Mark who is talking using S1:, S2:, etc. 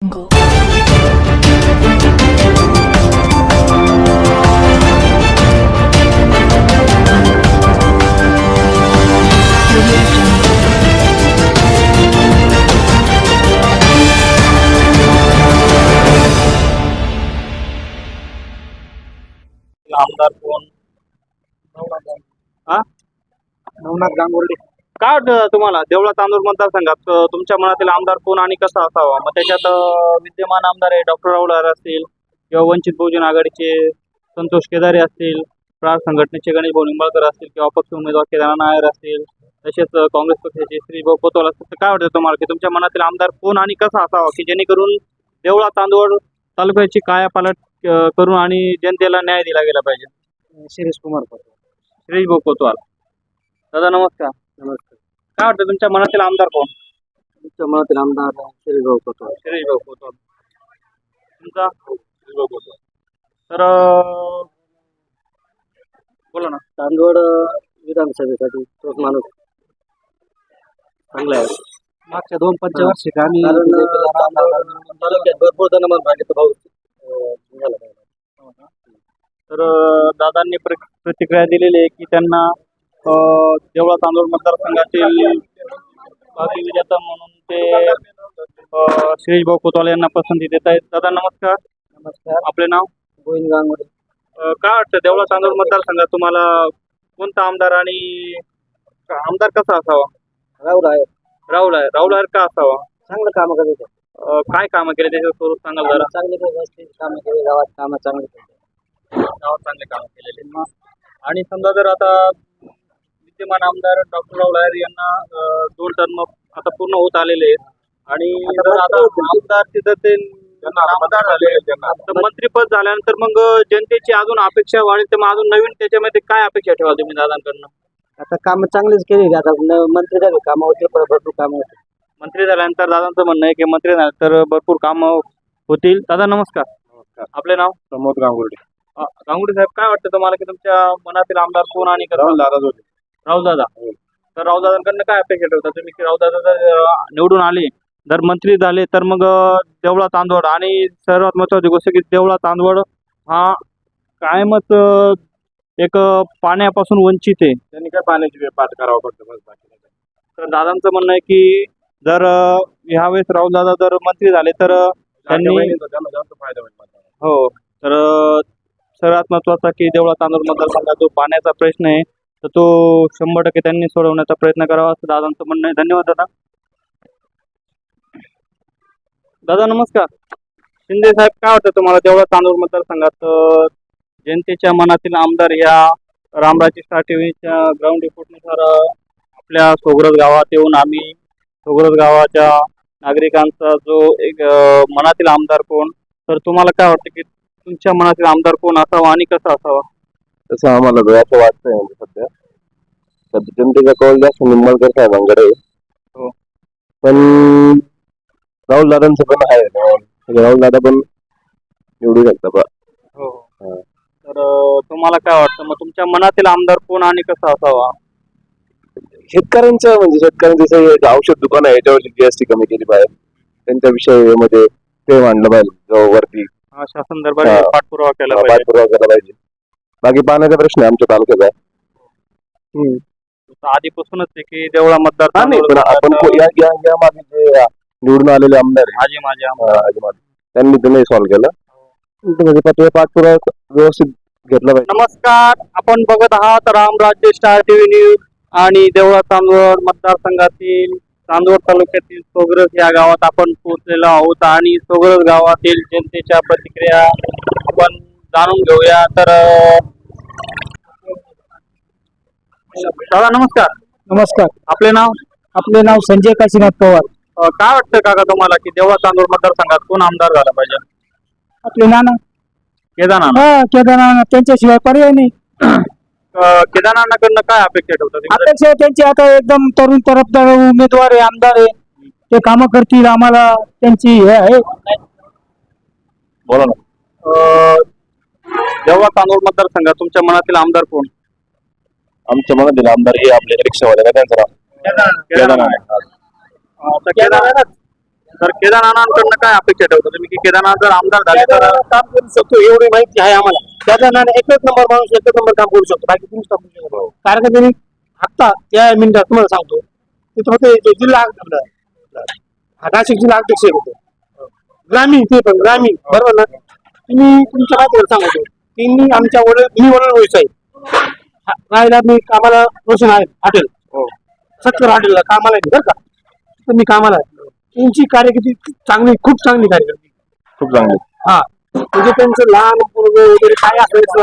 S1: Jungle.
S2: आमदार कोण? हा?
S3: नवनाथ गांगुर्डे.
S2: काय वाटतं तुम्हाला देवळा तांदूळ मतदारसंघात तुमच्या मनातील आमदार कोण आणि कसा असावा? मग त्याच्यात विद्यमान आमदार आहे डॉक्टर राहुल आर असतील किंवा वंचित बहुजन आघाडीचे संतोष केदारे असतील, प्रार संघटनेचे गणेश भाऊ निंबाळकर असतील किंवा अपक्ष उमेदवार केदार नायर असतील, तसेच काँग्रेस पक्षाचे श्री भाऊ कोतवाल असतील. तर काय वाटतं तुम्हाला की तुमच्या मनातील आमदार कोण आणि कसा असावा की जेणेकरून देवळा तांदूळ तालुक्याची कायापालट करून आणि जनतेला न्याय दिला गेला पाहिजे?
S3: शिरीष कुमार
S2: श्री भाऊ कोतवाल. दादा नमस्कार.
S3: नमस्कार.
S2: काय वाटतं तुमच्या मनातील आमदार कोण?
S3: तुमच्या मनातील आमदार शिरीष भाऊ कोतवाल.
S2: श्री भाऊ कोतवाल. तुमचा? श्री भाऊ कोतवाल. तर बोला ना.
S3: तांदवड विधानसभेसाठी तोच माणूस चांगला आहे. मागच्या 2 पंचवार्षिक आम्ही तालुक्यात भरपूर जण भागीत भाऊ झाला.
S2: तर दादांनी प्रतिक्रिया दिलेली आहे की त्यांना देवळा तांदूळ मतदारसंघातील भावी विजेता म्हणून ते श्री भाऊ कोतवाल यांना पसंती देत आहेत. दादा नमस्कार.
S3: नमस्कार.
S2: आपले नाव?
S3: गोविंद गांगुर्डे.
S2: काय वाटतं देवळा तांदूळ मतदारसंघात तुम्हाला कोणता आमदार आणि आमदार कसा असावा?
S3: राहुल आहे.
S2: राहुल आयर का असावा?
S3: चांगलं काम करत
S2: काय कामं केले त्याचं स्वरूप सांगाल जरा?
S3: चांगले कामं केले, गावात कामं चांगली केली.
S2: गावात चांगले काम केलेले. आणि समजा जर आता विद्यमान आमदार डॉक्टर राहुल आयर यांना 2 टर्म आता पूर्ण होत आलेले आहेत आणि जर आता आमदार तिथं ते आमदार झाले तर मंत्रीपद झाल्यानंतर मग जनतेची अजून अपेक्षा वाढेल तर मग अजून नवीन त्याच्यामध्ये काय अपेक्षा ठेवा तुम्ही दादांकडनं?
S3: आता कामं चांगलीच केली. आता मंत्री झाले कामं होते, भरपूर कामं होते.
S2: मंत्री झाल्यानंतर दादांचं म्हणणं आहे की मंत्री झाल्यानंतर भरपूर कामं होतील. दादा नमस्कार.
S3: नमस्कार.
S2: आपले नाव?
S3: प्रमोद गांगुर्डे.
S2: गांगुर्डे साहेब, काय वाटतं तुम्हाला की तुमच्या मनातील आमदार कोण आणि राहुल दादा? तर राहुल दादांकडनं काय अपेक्षा ठेवता तुम्ही की राहुल दादा जर निवडून आले जर मंत्री झाले तर मग देवळा तांदवड आणि सर्वात महत्वाची गोष्ट की देवळा तांदवड हा कायमच एक पाण्यापासून वंचित आहे. त्यांनी काय पाण्याची पाठ करावा पडतं. तर दादांचं म्हणणं आहे की जर ह्यावेळेस राहुल दादा जर मंत्री झाले तर त्यांनी फायदा होईल. हो. तर सर्वात महत्वाचा की देवळा तांदूळ मतदारसंघात जो पाण्याचा प्रश्न आहे तर तो 100% त्यांनी सोडवण्याचा प्रयत्न करावा असं दादांचं म्हणणं आहे. धन्यवाद दादा. दादा नमस्कार. शिंदे साहेब, काय वाटतं तुम्हाला देवळा तांदूळ मतदारसंघात जनतेच्या मनातील आमदार या रामराजे टीव्हीच्या ग्राउंड रिपोर्टनुसार आपल्या सोगरज गावात येऊन आम्ही सोगरज गावाच्या नागरिकांचा जो एक मनातील आमदार कोण, तर तुम्हाला काय वाटतं की तुमच्या मनातील आमदार कोण असावा आणि कसा असावा?
S4: तसं आम्हाला असं वाटतंय म्हणजे सध्या जनतेचा कौल जास्त निंबाळकर साहेबांकडे.
S2: हो.
S4: पण राहुल दादांचं पण आहे. राहुल दादा पण निवडू शकता.
S2: हो. तर तुम्हाला काय वाटतं मग तुमच्या मनातील आमदार कोण आणि कसा असावा?
S4: शेतकऱ्यांचं म्हणजे शेतकऱ्यांचं औषध दुकान आहे याच्यावरची जीएसटी कमी केली पाहिजे. त्यांच्या विषयामध्ये ते मांडलं पाहिजे वरती.
S2: अशा संदर्भात पाठपुरावा केला
S4: पाहिजे. बाकी पाण्याचा प्रश्न आहे आमच्या तालुक्यात आहे.
S2: आधीपासूनच आहे की देवळा मतदार
S4: आपण या मागे जे निवडून आलेले आमदार त्यांनी तर नाही सॉल्व्ह केलं. पाठपुरावा व्यवस्थित घेतला पाहिजे.
S2: नमस्कार. आपण बघत आहात रामराज्य स्टार टीव्ही न्यूज आणि देवळा तांदूळ मतदारसंघातील चांदवड तालुक्यातील सोगरज या गावात आपण पोहोचलेलो आहोत आणि सोगरज गावातील जनतेच्या प्रतिक्रिया आपण जाणून घेऊया. तर दादा नमस्कार.
S3: नमस्कार.
S2: आपले नाव?
S3: आपले नाव संजय काशीनाथ पवार.
S2: काय वाटतं काका तुम्हाला की देवळा तांदूळ मतदारसंघात कोण आमदार झाला पाहिजे?
S3: आपले नाना केदारनाथ. त्यांच्याशिवाय पर्याय नाही.
S2: केदारनाथाकडनं काय अपेक्षा ठेवतात?
S3: अपेक्षा त्यांची आता एकदम तरुण तरफदार उमेदवार आहे, आमदार आहे. ते कामं करतील. आम्हाला त्यांची हे आहे.
S2: बोला ना. देवळा तांदूळ मतदारसंघात तुमच्या मनातील आमदार कोण?
S4: आमच्या मनातील आमदार हे आपले रिक्षावाले त्यांचं नाव
S2: केदारनाथ. तर केदारनाथांकडनं काय अपेक्षा ठेवता तुम्ही की केदारनाथ जर आमदार झाले तर
S3: काम करू शकतो एवढी माहिती आहे आम्हाला. त्याचा एकच नंबर माणूस एकच नंबर काम करू शकतो, बाकी तुम्हीच काम करू शकतो. कारण का त्यांनी आत्ता त्या मिनिटात तुम्हाला सांगतो तिथं होते जे जिल्हा आपला नाशिक जिल्हा अध्यक्ष होते ग्रामीण, ते पण ग्रामीण बरोबर ना. तुम्ही तुमच्या माहितीवर सांगतो त्यांनी आमच्या मी वडील व्यवसाय राहायला मी कामाला रोशन आहे हॉटेल सत्तर हॉटेलला कामाला आहे बरं का. तर मी कामाला आहे. त्यांची कार्यकिर्दी चांगली, खूप चांगली कार्यकिर्दी,
S4: खूप चांगली.
S3: हा म्हणजे त्यांचं लहान पोरगं वगैरे काय असायचं